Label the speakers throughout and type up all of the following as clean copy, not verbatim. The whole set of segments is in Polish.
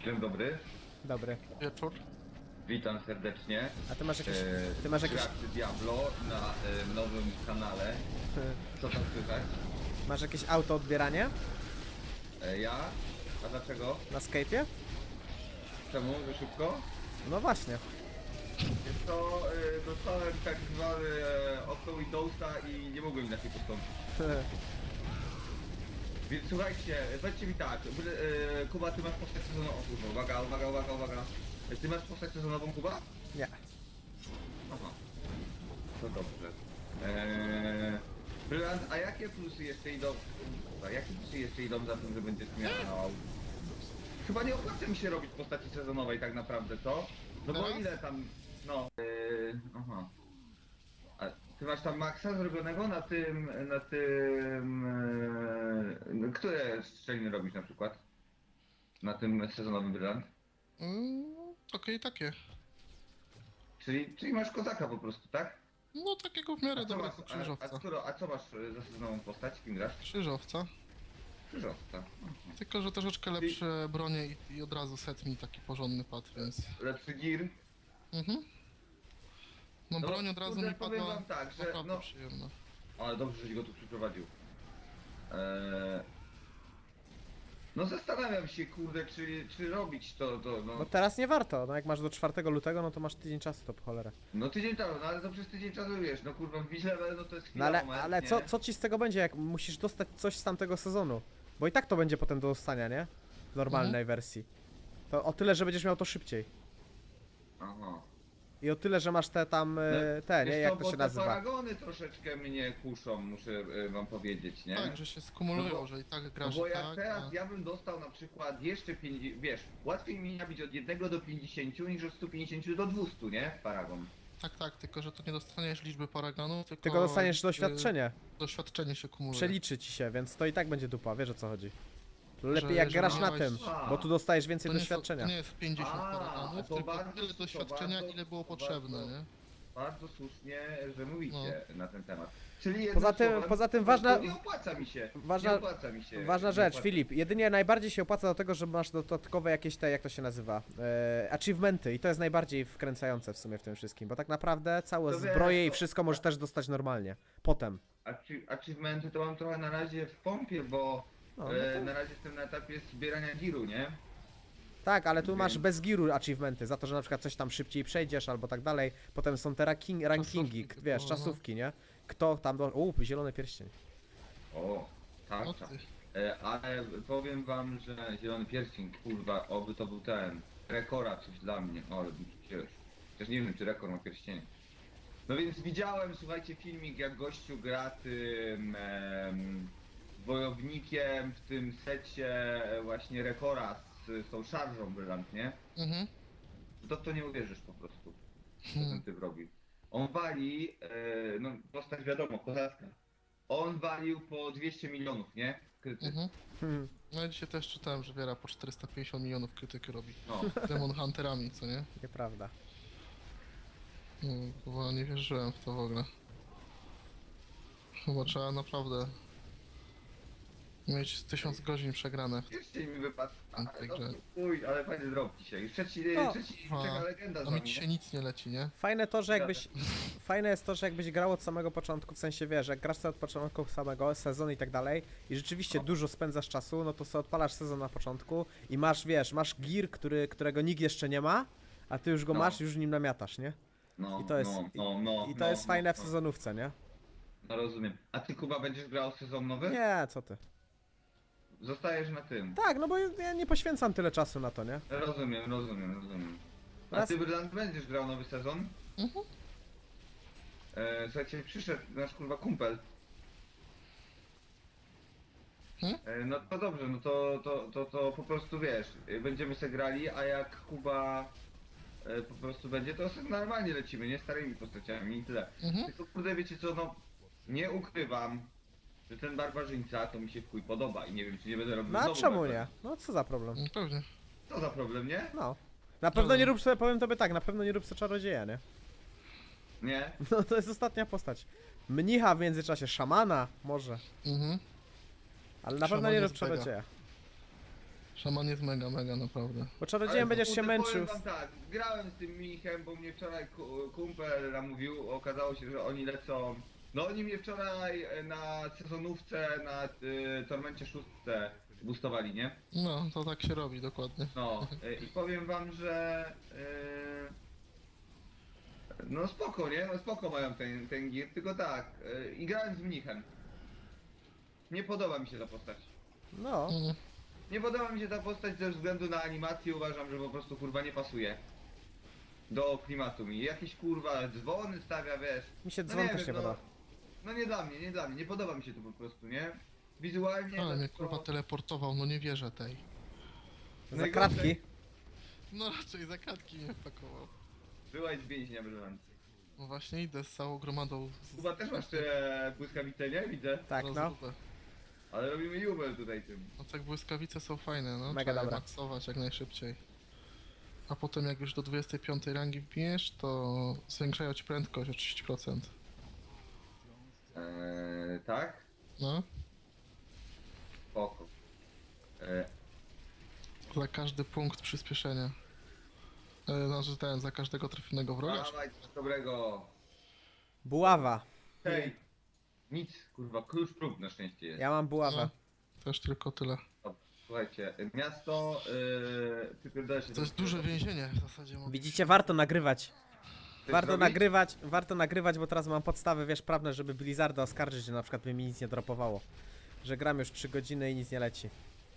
Speaker 1: Dzień dobry,
Speaker 2: Dobry.
Speaker 3: Wieczór.
Speaker 1: witam serdecznie.
Speaker 2: A ty masz jakieś...
Speaker 1: Graczy Diablo na nowym kanale. Co tam słychać?
Speaker 2: Masz jakieś auto odbieranie
Speaker 1: Ja? A dlaczego?
Speaker 2: na Skype'ie?
Speaker 1: Czemu? Że szybko?
Speaker 2: No właśnie.
Speaker 1: Jest to, dostałem tak zwany okno Windowsa i nie mogłem inaczej postąpić. Więc słuchajcie, powiedzcie mi tak, Kuba, ty masz postać sezonową. O kurwa, uwaga. Ty masz postać sezonową, Kuba?
Speaker 2: Nie.
Speaker 1: Aha. To dobrze. Brylant, a jakie plusy jeszcze idą? Jakie plusy jeszcze idą za tym, że będziesz miał? Chyba nie opłaca mi się robić postaci sezonowej tak naprawdę, co? No bo
Speaker 3: Teraz?
Speaker 1: ile tam, no... aha. A ty masz tam maksa zrobionego na tym... które strzeliny robisz na przykład? Na tym sezonowym Brylant?
Speaker 3: Okej, takie.
Speaker 1: Czyli masz kozaka po prostu, tak?
Speaker 3: No takiego w miarę dobrego krzyżowca.
Speaker 1: A co masz za sezonową postać? Kim grasz?
Speaker 3: Krzyżowca.
Speaker 1: Krzyżowca.
Speaker 3: Tylko, że troszeczkę lepsze bronie i od razu set mi taki porządny padł, więc...
Speaker 1: Lepszy gear.
Speaker 3: Mhm. No
Speaker 1: No,
Speaker 3: broń od razu
Speaker 1: kurde,
Speaker 3: mi
Speaker 1: powiem
Speaker 3: padła
Speaker 1: wam tak, że
Speaker 3: naprawdę
Speaker 1: no-
Speaker 3: przyjemna.
Speaker 1: Ale dobrze, żeś go tu przyprowadził. No zastanawiam się, kurde, czy robić to,
Speaker 2: No
Speaker 1: no.
Speaker 2: teraz nie warto, no jak masz do 4 lutego, no to masz tydzień czasu, to po cholerę.
Speaker 1: No tydzień temu, no ale to przez tydzień czasu wiesz, no kurwa, wbić level, no to jest
Speaker 2: No
Speaker 1: chwila,
Speaker 2: ale
Speaker 1: nie?
Speaker 2: co ci z tego będzie, jak musisz dostać coś z tamtego sezonu? Bo i tak to będzie potem do dostania, nie? W normalnej wersji. To o tyle, że będziesz miał to szybciej.
Speaker 1: Aha.
Speaker 2: I o tyle, że masz te tam, te, nie?
Speaker 1: Wiesz
Speaker 2: Jak
Speaker 1: co,
Speaker 2: to
Speaker 1: bo
Speaker 2: się
Speaker 1: te
Speaker 2: nazywa?
Speaker 1: paragony troszeczkę mnie kuszą, muszę wam powiedzieć, nie?
Speaker 3: Tak, że się skumulują,
Speaker 1: No bo-
Speaker 3: że i tak
Speaker 1: No
Speaker 3: grasz
Speaker 1: bo
Speaker 3: i
Speaker 1: jak
Speaker 3: tak,
Speaker 1: teraz
Speaker 3: a...
Speaker 1: ja bym dostał na przykład jeszcze 50, wiesz, łatwiej mi nabić od 1 do 50 niż od 150 do 200, nie? Paragon.
Speaker 3: Tak, tylko że to nie dostaniesz liczby paragonów,
Speaker 2: Tylko dostaniesz doświadczenie.
Speaker 3: Doświadczenie się kumuluje.
Speaker 2: Przeliczy ci się, więc to i tak będzie dupa, wiesz o co chodzi. Lepiej jak
Speaker 3: że
Speaker 2: grasz na
Speaker 3: miałeś-
Speaker 2: tym,
Speaker 1: A.
Speaker 2: bo tu dostajesz więcej
Speaker 3: To nie,
Speaker 2: doświadczenia.
Speaker 3: to nie jest 50
Speaker 1: A,
Speaker 3: paragonów,
Speaker 1: to
Speaker 3: tylko
Speaker 1: bardzo-
Speaker 3: tyle
Speaker 1: to
Speaker 3: doświadczenia,
Speaker 1: bardzo-
Speaker 3: ile było
Speaker 1: to
Speaker 3: potrzebne,
Speaker 1: bardzo-
Speaker 3: nie?
Speaker 1: Bardzo słusznie, że mówicie na ten temat. Czyli jednym
Speaker 2: Poza tym-
Speaker 1: słowem,
Speaker 2: poza tym
Speaker 1: po
Speaker 2: ważna-
Speaker 1: prostu nie opłaca mi się.
Speaker 2: ważna-
Speaker 1: nie opłaca mi się.
Speaker 2: Ważna
Speaker 1: nie
Speaker 2: rzecz,
Speaker 1: opłaca.
Speaker 2: Filip, jedynie najbardziej się opłaca do tego, że masz dodatkowe jakieś te, jak to się nazywa, achievementy i to jest najbardziej wkręcające w sumie w tym wszystkim, bo tak naprawdę całe
Speaker 1: To wiesz,
Speaker 2: zbroje i
Speaker 1: to-
Speaker 2: wszystko możesz też dostać normalnie, potem.
Speaker 1: Achievementy to mam trochę na razie w pompie, bo
Speaker 2: No, no to-
Speaker 1: na razie jestem na etapie zbierania giru, nie?
Speaker 2: Tak, ale tu masz
Speaker 1: Więc-
Speaker 2: bez giru achievementy, za to, że na przykład coś tam szybciej przejdziesz albo tak dalej, potem są te rankingi,
Speaker 3: Czasówki
Speaker 2: wiesz,
Speaker 3: tylko, no.
Speaker 2: czasówki, nie? Kto tam do... zielony pierścień.
Speaker 1: O, tak,
Speaker 3: No
Speaker 1: tak.
Speaker 3: ty.
Speaker 1: Ale powiem wam, że zielony pierścień, kurwa, oby to był ten rekora coś dla mnie, ale bym się cieszył. Chociaż nie wiem, czy rekord ma pierścienie. No więc widziałem, słuchajcie, filmik, jak gościu gra tym wojownikiem w tym secie właśnie rekora z tą szarżą brylant, nie?
Speaker 3: Mhm.
Speaker 1: To w to nie uwierzysz po prostu, co ten typ robi. On wali, no postać wiadomo, kozacka. On walił po 200 milionów, nie? Kryty.
Speaker 3: Mhm.
Speaker 2: Hmm.
Speaker 3: No ja dzisiaj też czytałem, że Wiera po 450 milionów krytyki robi.
Speaker 1: No.
Speaker 3: Demon Hunterami, co nie?
Speaker 2: Nieprawda.
Speaker 3: No, bo nie wierzyłem w to w ogóle. Chyba trzeba naprawdę mieć 1000 godzin przegrane.
Speaker 1: Pierścień mi wypadł.
Speaker 3: Także-
Speaker 1: Uj, ale fajny drop dzisiaj. Trzeci
Speaker 2: No.
Speaker 1: czeka legenda z
Speaker 3: A mi
Speaker 1: wami,
Speaker 3: dzisiaj
Speaker 1: nie?
Speaker 3: nic nie leci, nie?
Speaker 2: Fajne to, że jakbyś... Fajne jest to, że jakbyś grał od samego początku, w sensie wiesz, jak grasz sobie od początku samego sezonu i tak dalej i rzeczywiście dużo spędzasz czasu, no to sobie odpalasz sezon na początku i masz, wiesz, masz gear, którego nikt jeszcze nie ma, a ty już go
Speaker 1: No.
Speaker 2: masz i już nim namiatasz, nie?
Speaker 1: No,
Speaker 2: I to jest, i to jest fajne w sezonówce, nie?
Speaker 1: No rozumiem. A ty, Kuba, będziesz grał sezon nowy?
Speaker 2: Nie, co ty.
Speaker 1: Zostajesz na tym.
Speaker 2: Tak, no bo ja nie poświęcam tyle czasu na to, nie?
Speaker 1: Rozumiem. A
Speaker 2: Raz-
Speaker 1: ty, Brylant, będziesz grał nowy sezon?
Speaker 3: Mhm.
Speaker 1: Słuchajcie, przyszedł nasz kurwa kumpel. No to dobrze, no to po prostu wiesz, będziemy se grali, a jak Kuba po prostu będzie, to sobie normalnie lecimy, nie starymi postaciami i tyle.
Speaker 3: Mhm.
Speaker 1: Tylko kurde, wiecie co, no nie ukrywam, że ten barbarzyńca to mi się w chuj podoba i nie wiem, czy nie będę robił
Speaker 2: No a
Speaker 1: znowu
Speaker 2: czemu
Speaker 1: barbarzyńcy.
Speaker 2: nie? No co za problem?
Speaker 3: Pewnie.
Speaker 1: Co za problem, nie?
Speaker 2: No. Na pewno nie rób sobie, powiem tobie tak, na pewno nie rób sobie czarodzieja, nie?
Speaker 1: Nie?
Speaker 2: No to jest ostatnia postać. Mnicha w międzyczasie, szamana, może.
Speaker 3: Mhm.
Speaker 2: Ale na pewno nie rób
Speaker 3: Szaman jest
Speaker 2: czarodzieja.
Speaker 3: Szaman jest mega, mega naprawdę.
Speaker 2: Bo czarodziejem będziesz się
Speaker 1: kurde,
Speaker 2: męczył.
Speaker 1: powiem wam tak, grałem z tym Michem, bo mnie wczoraj kumpel namówił, okazało się, że oni lecą... No oni mnie wczoraj na sezonówce, na Tormencie 6 boostowali, nie?
Speaker 3: No, to tak się robi, dokładnie.
Speaker 1: No i powiem wam, że... No spoko, nie? No spoko mają ten gear, tylko tak, i grałem z Mnichem. Nie podoba mi się ta postać.
Speaker 2: No.
Speaker 3: Mhm.
Speaker 1: Nie podoba mi się ta postać ze względu na animację, uważam, że po prostu kurwa nie pasuje do klimatu mi. Jakieś kurwa dzwony stawia, wiesz.
Speaker 2: Mi się
Speaker 1: No
Speaker 2: dzwon
Speaker 1: nie
Speaker 2: też
Speaker 1: wiem,
Speaker 2: nie
Speaker 1: no,
Speaker 2: podoba.
Speaker 1: no nie dla mnie, nie podoba mi się to po prostu, nie? Wizualnie...
Speaker 3: Ale mnie
Speaker 1: to-
Speaker 3: kurwa teleportował, no nie wierzę tej.
Speaker 2: Za
Speaker 1: najgorsze-
Speaker 2: kratki.
Speaker 3: No raczej za kratki mnie wpakował.
Speaker 1: Byłaś z więźnia, brzyłam.
Speaker 3: No właśnie idę z całą gromadą.
Speaker 1: Chyba też masz te błyskawice, nie? Widzę.
Speaker 2: Tak, no.
Speaker 1: Ale robimy jubel tutaj tym.
Speaker 3: No tak błyskawice są fajne, no.
Speaker 2: Mega
Speaker 3: Trzeba je
Speaker 2: dobra.
Speaker 3: maksować jak najszybciej. A potem jak już do 25 rangi wbijesz, to zwiększają ci prędkość o 30%.
Speaker 1: Tak?
Speaker 3: No.
Speaker 1: Spoko.
Speaker 3: Za każdy punkt przyspieszenia. Znaczy ten, za każdego trafionego wroga.
Speaker 1: Dawaj coś dobrego.
Speaker 2: Buława.
Speaker 1: Hej. Nic, kurwa, klucz prób na szczęście jest.
Speaker 2: Ja mam buławę.
Speaker 3: No. Też tylko tyle.
Speaker 1: Słuchajcie, miasto, wypierdolę się...
Speaker 3: To jest duże więzienie w zasadzie. mogę
Speaker 2: Widzicie, warto nagrywać.
Speaker 1: Chcesz
Speaker 2: Warto
Speaker 1: zrobić?
Speaker 2: nagrywać, bo teraz mam podstawy, wiesz, prawne, żeby Blizzarda oskarżyć, że na przykład by mi nic nie dropowało. Że gram już 3 godziny i nic nie leci.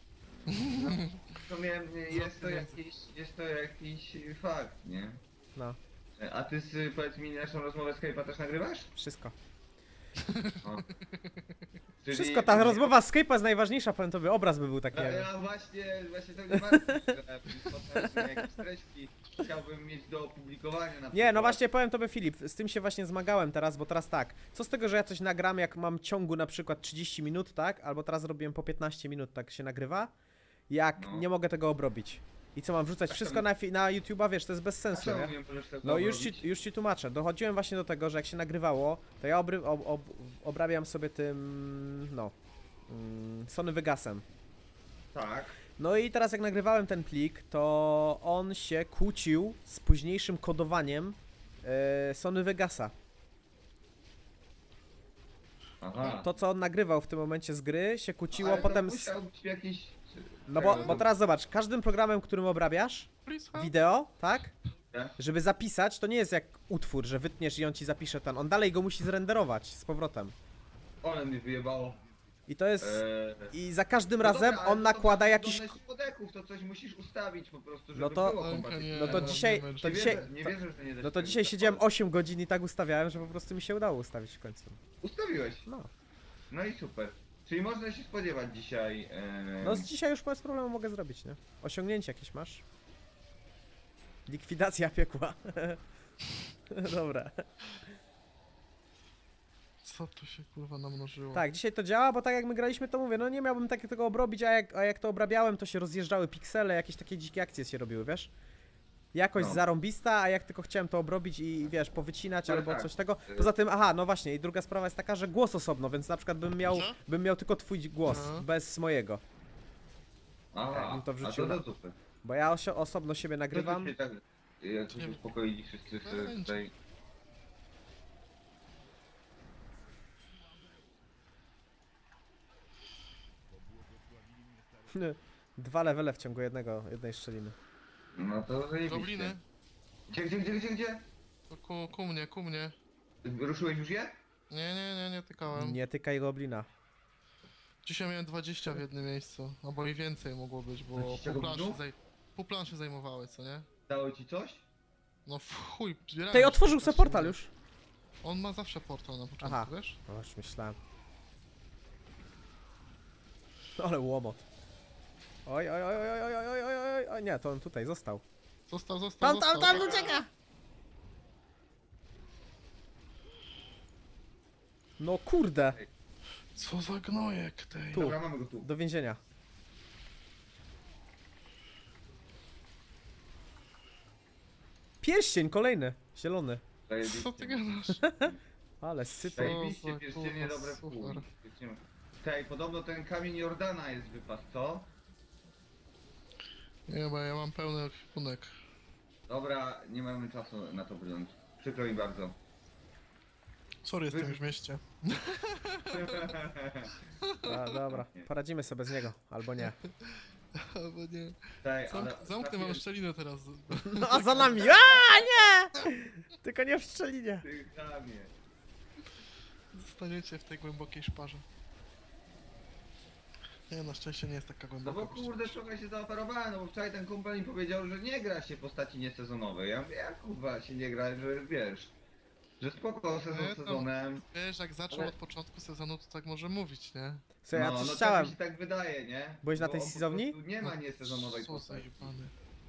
Speaker 1: W sumie jest to jakiś fakt, nie?
Speaker 2: No,
Speaker 1: A ty, powiedz mi, naszą rozmowę Skype'a też nagrywasz?
Speaker 2: wszystko.
Speaker 1: O. Czyli-
Speaker 2: Wszystko, ta rozmowa z Skype'a jest najważniejsza, powiem tobie, obraz by był taki.
Speaker 1: No,
Speaker 2: nie wiem.
Speaker 1: ja właśnie to mnie martwi, że potem jakieś treści chciałbym mieć do opublikowania na
Speaker 2: Nie, no
Speaker 1: przykład.
Speaker 2: właśnie powiem tobie, Filip, z tym się właśnie zmagałem teraz, bo teraz tak, co z tego, że ja coś nagram, jak mam ciągu na przykład 30 minut, tak? Albo teraz robiłem po 15 minut, tak się nagrywa, jak
Speaker 1: No.
Speaker 2: nie mogę tego obrobić. I co, mam wrzucać
Speaker 1: A
Speaker 2: wszystko
Speaker 1: czemu?
Speaker 2: na YouTube'a, wiesz, to jest bez
Speaker 1: A
Speaker 2: sensu,
Speaker 1: czemu
Speaker 2: nie?
Speaker 1: nie możesz tego
Speaker 2: No
Speaker 1: robić?
Speaker 2: już ci tłumaczę. Dochodziłem właśnie do tego, że jak się nagrywało, to ja obrabiam sobie tym, no, Sony Vegasem.
Speaker 1: Tak.
Speaker 2: No i teraz jak nagrywałem ten plik, to on się kłócił z późniejszym kodowaniem Sony Vegasa.
Speaker 1: Aha.
Speaker 2: To co on nagrywał w tym momencie z gry się kłóciło
Speaker 1: Ale
Speaker 2: potem
Speaker 1: to
Speaker 2: z...
Speaker 1: musiał być jakiś...
Speaker 2: No bo teraz zobacz, każdym programem, którym obrabiasz
Speaker 3: Please help.
Speaker 2: wideo, tak?
Speaker 1: Nie?
Speaker 2: Żeby zapisać, to nie jest jak utwór, że wytniesz i on ci zapisze ten. On dalej go musi zrenderować z powrotem.
Speaker 1: One mnie wyjebało.
Speaker 2: I to jest... I za każdym
Speaker 1: No
Speaker 2: razem
Speaker 1: dobra, ale
Speaker 2: on
Speaker 1: to
Speaker 2: nakłada
Speaker 1: masz
Speaker 2: jakiś...
Speaker 1: zdolność podeków, to coś musisz ustawić po prostu, żeby
Speaker 2: No to-
Speaker 1: było
Speaker 3: Ojka,
Speaker 1: kompatybilne.
Speaker 3: nie,
Speaker 2: No to
Speaker 3: no,
Speaker 2: dzisiaj...
Speaker 3: nie
Speaker 2: To
Speaker 1: Nie
Speaker 2: dzisiaj...
Speaker 1: wierzę, nie wierzę, że nie da
Speaker 2: No
Speaker 1: się
Speaker 2: to
Speaker 1: tego
Speaker 2: dzisiaj siedziałem
Speaker 1: ustawić.
Speaker 2: 8 godzin i tak ustawiałem, że po prostu mi się udało ustawić w końcu.
Speaker 1: Ustawiłeś.
Speaker 2: No.
Speaker 1: No i super. Czyli można się spodziewać dzisiaj...
Speaker 2: No z dzisiaj już bez problemu mogę zrobić, nie? Osiągnięcie jakieś masz? Likwidacja piekła. Dobra.
Speaker 3: Co tu się kurwa namnożyło?
Speaker 2: Tak, dzisiaj to działa, bo tak jak my graliśmy, to mówię, no nie miałbym tego obrobić, a jak to obrabiałem, to się rozjeżdżały piksele, jakieś takie dzikie akcje się robiły, wiesz? Jakość
Speaker 1: No.
Speaker 2: zarąbista, a jak tylko chciałem to obrobić i wiesz, powycinać
Speaker 1: Ale
Speaker 2: albo
Speaker 1: tak.
Speaker 2: coś tego. Poza tym, aha, no właśnie, i druga sprawa jest taka, że głos osobno, więc na przykład
Speaker 3: Co?
Speaker 2: bym miał tylko twój głos,
Speaker 3: No.
Speaker 2: bez mojego.
Speaker 1: Aha,
Speaker 2: bym to
Speaker 1: a
Speaker 2: wrzucił
Speaker 1: to
Speaker 2: na-
Speaker 1: super.
Speaker 2: Bo ja osobno siebie nagrywam.
Speaker 1: To się tak, jak
Speaker 3: Nie
Speaker 1: się uspokoili wszyscy
Speaker 3: Będzie.
Speaker 1: tutaj.
Speaker 2: Dwa levele w ciągu jednej szczeliny.
Speaker 1: No to zajebiście.
Speaker 3: Gobliny?
Speaker 1: Gdzie?
Speaker 3: To ku mnie.
Speaker 1: Ruszyłeś już je?
Speaker 3: Nie tykałem.
Speaker 2: Nie tykaj goblina.
Speaker 3: Dzisiaj miałem 20 w jednym miejscu. Albo i więcej mogło być, bo
Speaker 1: 20
Speaker 3: pół planszy,
Speaker 1: goblinów?
Speaker 3: pół planszy zajmowały, co nie?
Speaker 1: Dało ci coś?
Speaker 3: No w chuj, zbierałem
Speaker 2: Tej
Speaker 3: się,
Speaker 2: otworzył sobie
Speaker 3: 15
Speaker 2: portal
Speaker 3: minut.
Speaker 2: już.
Speaker 3: On ma zawsze portal na początku,
Speaker 2: Aha.
Speaker 3: wiesz?
Speaker 2: No już myślałem. Ale łomot. Oj, oj, oj, oj, oj, oj, oj, oj, oj, oj, nie, to on tutaj został.
Speaker 3: Został.
Speaker 2: Tam ucieka! No kurde,
Speaker 3: Co za gnojek tej.
Speaker 2: Tu.
Speaker 1: Dobra, mamy go tu.
Speaker 2: do więzienia. Pierścień kolejny, zielony.
Speaker 1: Zajebiście.
Speaker 3: Co ty gadasz?
Speaker 2: Ale sypy.
Speaker 1: Zajebiście,
Speaker 3: O,
Speaker 1: pierścienie
Speaker 3: kurwa,
Speaker 1: dobre w chuj.
Speaker 3: super.
Speaker 1: Pierścienie- Tej, podobno ten kamień Jordana jest wypas, co?
Speaker 3: Nie, bo ja mam pełny ekwipunek.
Speaker 1: Dobra, nie mamy czasu na to brnąć. Przykro mi bardzo.
Speaker 3: Sorry, jestem już w mieście.
Speaker 2: A, dobra, poradzimy sobie bez niego, albo nie.
Speaker 3: Albo nie.
Speaker 1: Ale
Speaker 3: Zamknę wam szczelinę teraz.
Speaker 2: No a za nami! A nie! Tylko nie w szczelinie.
Speaker 1: Ty chamie.
Speaker 3: Zostaniecie w tej głębokiej szparze. Nie, na szczęście nie jest taka
Speaker 1: No
Speaker 3: głęboka.
Speaker 1: bo kurde, trochę się zaoferowałem, no bo wczoraj ten kumpel mi powiedział, że nie gra się postaci niesezonowej. Ja mówię, jak kurwa się nie gra, że wiesz, że spoko sezon
Speaker 3: Nie, to-
Speaker 1: sezonem.
Speaker 3: Wiesz, jak zaczął
Speaker 1: Ale-
Speaker 3: od początku sezonu, to tak może mówić, nie?
Speaker 2: Słuchaj, ja
Speaker 1: no,
Speaker 2: coś
Speaker 1: no
Speaker 2: chciałem.
Speaker 1: tak mi się tak wydaje, nie?
Speaker 2: Byłeś na
Speaker 1: Bo
Speaker 2: tej
Speaker 1: on po
Speaker 2: sizowni?
Speaker 1: prostu Nie ma niesezonowej
Speaker 3: Co
Speaker 1: postaci.
Speaker 3: zajebany.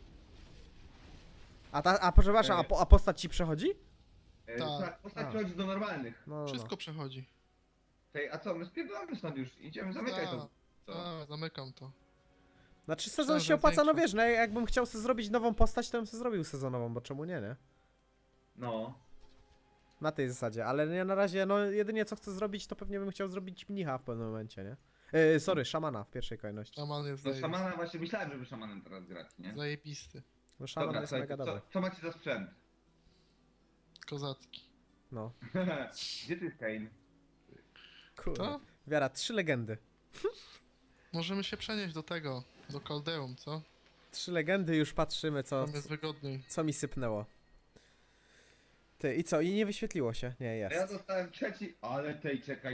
Speaker 2: A przepraszam, a postać ci przechodzi?
Speaker 3: Tak.
Speaker 1: Tak, postać
Speaker 2: A.
Speaker 1: przechodzi do normalnych.
Speaker 2: No, no,
Speaker 3: Wszystko
Speaker 2: no.
Speaker 3: przechodzi.
Speaker 1: Tej, a co, my spierdolamy stąd już, idziemy, zamykaj to.
Speaker 3: A, zamykam to.
Speaker 2: Znaczy sezon
Speaker 3: Myślałem,
Speaker 2: się
Speaker 3: że
Speaker 2: opłaca, no
Speaker 3: większość.
Speaker 2: wiesz, no jakbym chciał sobie zrobić nową postać, to bym sobie zrobił sezonową, bo czemu nie, nie?
Speaker 1: No.
Speaker 2: Na tej zasadzie, ale ja na razie, no jedynie co chcę zrobić, to pewnie bym chciał zrobić mnicha w pewnym momencie, nie? Sorry, szamana w pierwszej kolejności.
Speaker 3: Szaman jest
Speaker 1: No szamana właśnie myślałem, żeby szamanem teraz grać, nie?
Speaker 3: zajebisty.
Speaker 2: No szaman
Speaker 1: Dobra,
Speaker 2: jest
Speaker 1: słuchaj,
Speaker 2: mega
Speaker 1: to
Speaker 2: dobry.
Speaker 1: co macie za sprzęt?
Speaker 3: Kozacki.
Speaker 2: No,
Speaker 1: Gdzie ty jest Kane?
Speaker 2: kurde.
Speaker 3: To?
Speaker 2: Wiara, 3 legendy.
Speaker 3: Możemy się przenieść do tego, do Kaldeum, co?
Speaker 2: 3 legendy, już patrzymy,
Speaker 3: Tam jest wygodniej.
Speaker 2: co mi sypnęło. Ty, i co? I nie wyświetliło się? Nie,
Speaker 1: A ja
Speaker 2: jest.
Speaker 1: dostałem trzeci, ale tej czekaj.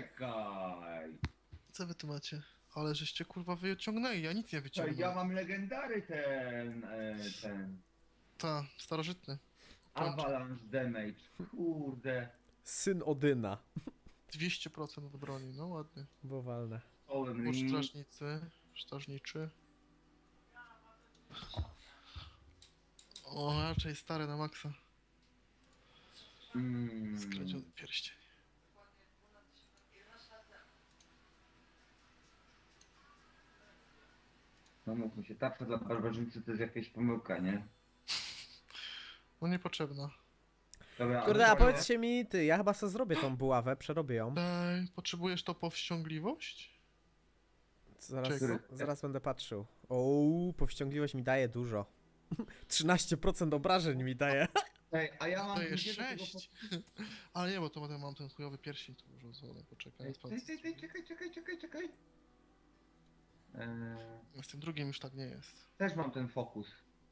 Speaker 3: Co wy tu macie? Ale żeście kurwa wyciągnęli, ja nic nie
Speaker 1: Czekaj,
Speaker 3: wyciągnąłem.
Speaker 1: ja mam legendary ten
Speaker 3: Ta, starożytny.
Speaker 1: Avalanche Damage, kurde,
Speaker 2: Syn Odyna.
Speaker 3: 200% od broni, no ładnie.
Speaker 2: Bo walne.
Speaker 1: Stolen
Speaker 3: Po
Speaker 1: Ring,
Speaker 3: strażniczy. O, raczej stare na maksa. Skradziony pierścień.
Speaker 1: no mówmy się, tarcza dla barbarzyńcy to jest jakaś pomyłka, nie?
Speaker 3: No niepotrzebna.
Speaker 1: Dobra,
Speaker 2: Kurde, a
Speaker 1: ale-
Speaker 2: powiedzcie mi, ty, ja chyba sobie zrobię tą buławę, przerobię ją.
Speaker 3: Potrzebujesz to powściągliwość?
Speaker 2: Zaraz,
Speaker 3: Czego?
Speaker 2: zaraz będę patrzył. O, powściągliwość mi daje dużo. 13% obrażeń mi daje.
Speaker 1: Ej, a ja mam
Speaker 3: To jest
Speaker 1: gdzie do tego
Speaker 3: 6. Ale nie, bo to potem mam ten chujowy pierścień tu już rozwolę, poczekaj.
Speaker 1: Ej,
Speaker 3: sprawdzę.
Speaker 1: czekaj.
Speaker 3: Z tym drugim już tak nie jest.
Speaker 1: Też mam ten fokus.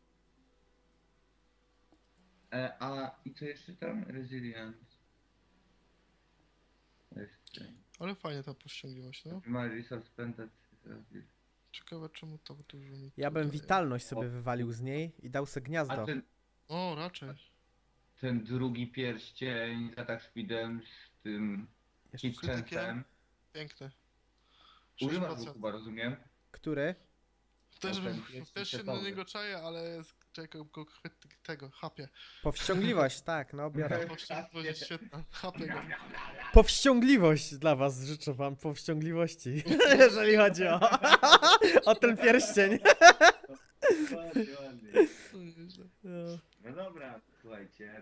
Speaker 1: A i co jeszcze tam? Resilience. Jeszcze.
Speaker 3: Ale fajnie ta powściągliwość, no.
Speaker 1: My resource spended.
Speaker 3: Ciekawe czemu to dużo mi
Speaker 2: Ja bym
Speaker 3: tutaj-
Speaker 2: witalność sobie wywalił z niej i dał se
Speaker 1: A
Speaker 2: gniazdo.
Speaker 3: O, raczej.
Speaker 1: ten drugi pierścień z atak speedem z tym
Speaker 2: Jeszcze-
Speaker 1: hit chance'em.
Speaker 3: Piękny.
Speaker 1: Używasz go
Speaker 3: 6%.
Speaker 1: chyba, rozumiem?
Speaker 2: Który?
Speaker 3: Też,
Speaker 1: ten pierścień
Speaker 3: też się na
Speaker 1: setowy.
Speaker 3: niego czaję, ale czekaj, go tego, chapie.
Speaker 2: Powściągliwość, tak, no biorę.
Speaker 3: Powściągliwość jest świetna. Chapie go.
Speaker 2: Powściągliwość dla was, życzę wam powściągliwości, jeżeli chodzi o ten pierścień.
Speaker 1: Ładnie.
Speaker 3: To nieźle.
Speaker 2: No.
Speaker 1: No dobra, słuchajcie.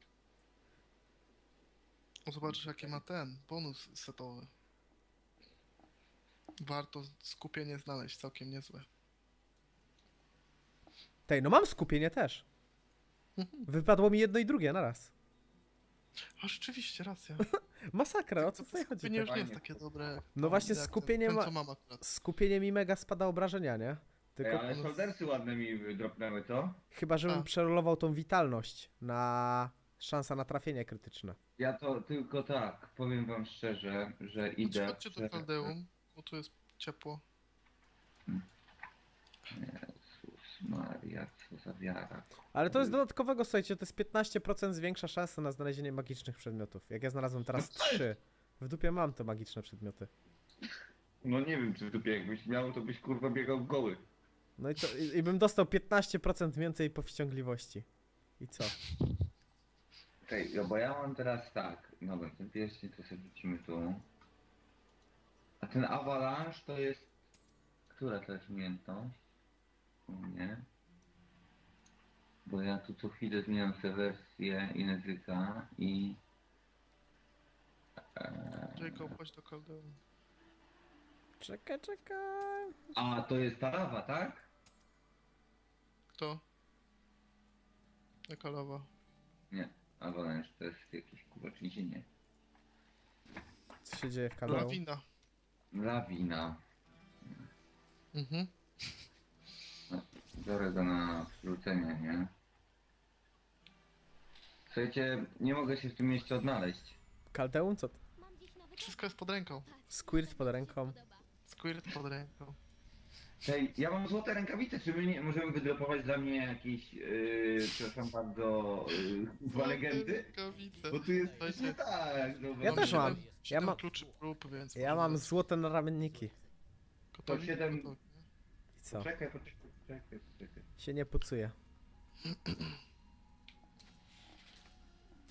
Speaker 3: Zobaczysz jaki ma ten bonus setowy. Warto skupienie znaleźć, całkiem niezłe.
Speaker 2: Tej, no mam skupienie też. Wypadło mi jedno i drugie naraz.
Speaker 3: A rzeczywiście, racja.
Speaker 2: Masakra, o co tutaj chodzi?
Speaker 3: Skupienie już nie jest
Speaker 1: Fajnie.
Speaker 3: takie dobre.
Speaker 2: No właśnie
Speaker 3: jak
Speaker 2: skupienie
Speaker 3: ten,
Speaker 2: ma-
Speaker 3: co mam akurat.
Speaker 2: Skupienie mi mega spada obrażenia, nie?
Speaker 1: Ej,
Speaker 2: Tylko
Speaker 1: ale shouldersy ładne mi dropnęły, co?
Speaker 2: chyba, żebym
Speaker 3: A.
Speaker 2: przerolował tą witalność na szansa na trafienie krytyczne.
Speaker 1: Ja to tylko tak, powiem wam szczerze, że idę...
Speaker 3: Chodźcie do Kaldeum, bo tu jest ciepło.
Speaker 1: Jezus Maria, co za wiara.
Speaker 2: Ale to jest dodatkowego, słuchajcie, to jest 15% zwiększa szansa na znalezienie magicznych przedmiotów. Jak ja znalazłem teraz
Speaker 1: No co jest?
Speaker 2: 3. W dupie mam te magiczne przedmioty.
Speaker 1: No nie wiem, czy w dupie jakbyś miał, to byś kurwa biegał goły.
Speaker 2: No i bym dostał 15% więcej powściągliwości. I co?
Speaker 1: Okej, no bo ja mam teraz tak, dobra, ten pierścień to sobie wrzucimy tu. A ten Avalanche to jest... Która to jest umiejętność? U mnie. Bo ja tu co chwilę zmieniam sobie wersję języka i...
Speaker 3: Jacob, chodź do Kaldeum.
Speaker 2: Czekaj.
Speaker 1: A, to jest ta lawa, tak?
Speaker 3: Kto? Jaka lawa?
Speaker 1: Nie, Avalanche to jest jakieś kurwa trzęsienie.
Speaker 2: Co się dzieje w Kaleu?
Speaker 3: Lawina.
Speaker 1: Lawina.
Speaker 3: Mhm.
Speaker 1: No, biorę go na wrócenie, nie? Słuchajcie, nie mogę się w tym mieście odnaleźć.
Speaker 2: Kaldeum? Co? to?
Speaker 3: Wszystko jest pod ręką.
Speaker 2: Squirt pod ręką.
Speaker 3: Squirt pod ręką.
Speaker 1: Hej, ja mam złote rękawice, czy my nie możemy wydropować dla mnie jakieś, przepraszam bardzo, dwa legendy?
Speaker 3: Rękawice.
Speaker 1: Bo tu jest
Speaker 3: Słuchajcie,
Speaker 1: nie tak, no
Speaker 2: Ja też mam.
Speaker 3: siedem-
Speaker 2: Ja
Speaker 3: siedem
Speaker 2: mam-
Speaker 3: kluczy prób, więc
Speaker 2: Ja
Speaker 3: może
Speaker 2: mam
Speaker 3: was-
Speaker 2: złote naramienniki.
Speaker 3: Gotowi?
Speaker 1: To 7
Speaker 3: Gotowi.
Speaker 2: I co?
Speaker 1: Poczekaj.
Speaker 2: Się nie pucuje.